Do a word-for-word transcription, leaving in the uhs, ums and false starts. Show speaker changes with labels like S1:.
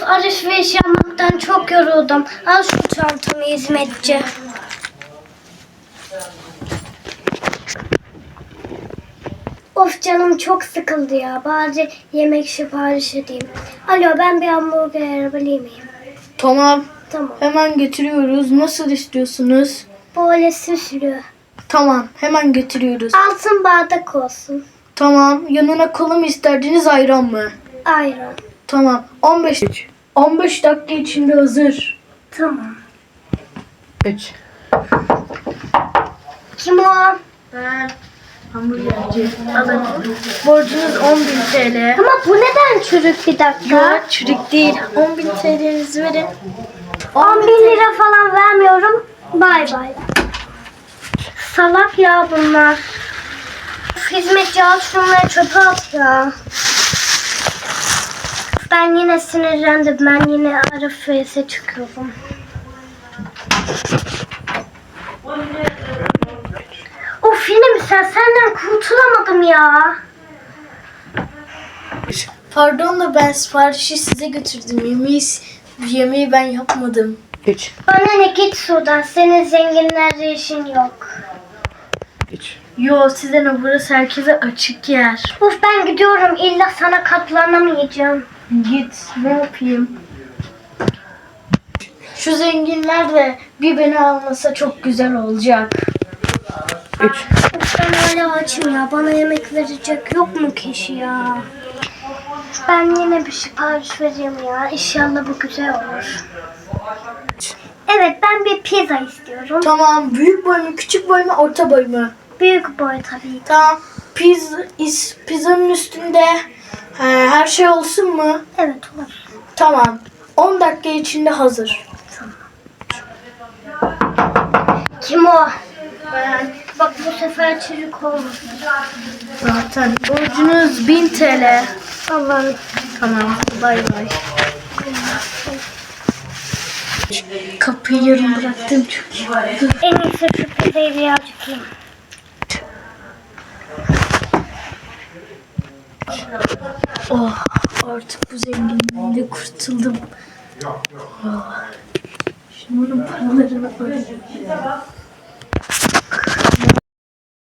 S1: alışveriş yapmaktan çok yoruldum. Al şu çantamı hizmetçi. Of canım çok sıkıldı ya. Bari yemek sipariş edeyim. Alo ben bir hamburger alabilir miyim?
S2: Tamam.
S1: Tamam.
S2: Hemen getiriyoruz. Nasıl istiyorsunuz?
S1: Böyle süslü.
S2: Tamam. Hemen getiriyoruz.
S1: Altın bardak olsun.
S2: Tamam. Yanına kola mı isterdiniz, ayran mı?
S1: Ayran.
S2: Tamam. on beş on beş dakika içinde hazır.
S1: Tamam.
S2: üç
S1: Kim o?
S2: Ben hamburgerci. Alın. Borcunuz on bin T L.
S1: Ama bu neden çürük bir dakika?
S2: Yok, çürük değil. on bin T L'nizi verin.
S1: on bin lira falan vermiyorum. Bay bay. Salak ya bunlar. Hizmetçi al şunları çöpe at ya. Ben yine sinirlendim. Ben yine Arife'ye çıkıyorum. Of yine mi sen? Senden kurtulamadım ya.
S2: Pardon da ben siparişi size götürdüm. Yemeği, yemeği ben yapmadım. üç
S1: Bana ne git şuradan. Senin zenginlerle işin yok.
S2: üç Yo, size ne, burası herkese açık yer.
S1: Of ben gidiyorum. İlla sana katlanamayacağım.
S2: Git, ne yapayım? Şu zenginler de bir beni almasa çok güzel olacak. üç
S1: Of ben hala açım ya. Bana yemek verecek yok mu kişi ya? Ben yine bir sipariş vereyim ya. İnşallah bu güzel olur. Evet ben bir pizza istiyorum.
S2: Tamam, büyük boy mu, küçük boy mu, orta boy mu?
S1: Büyük boy tabii.
S2: Tamam, pizza, is, pizzanın üstünde he, her şey olsun mu?
S1: Evet olur.
S2: Tamam, on dakika içinde hazır.
S1: Kim o? Ben. Bak bu sefer çürük olmasın.
S2: Zaten borcunuz bin T L.
S1: Allah'ım.
S2: Tamam, bay bay. Kapıyı yarım bıraktım, çok iyi oldu.
S1: En iyisi şu pizzayı birazcık yiyeyim.
S2: Oh, artık bu zenginliğiyle kurtuldum. Oh. Şimdi bunun paralarını ödeyeyim.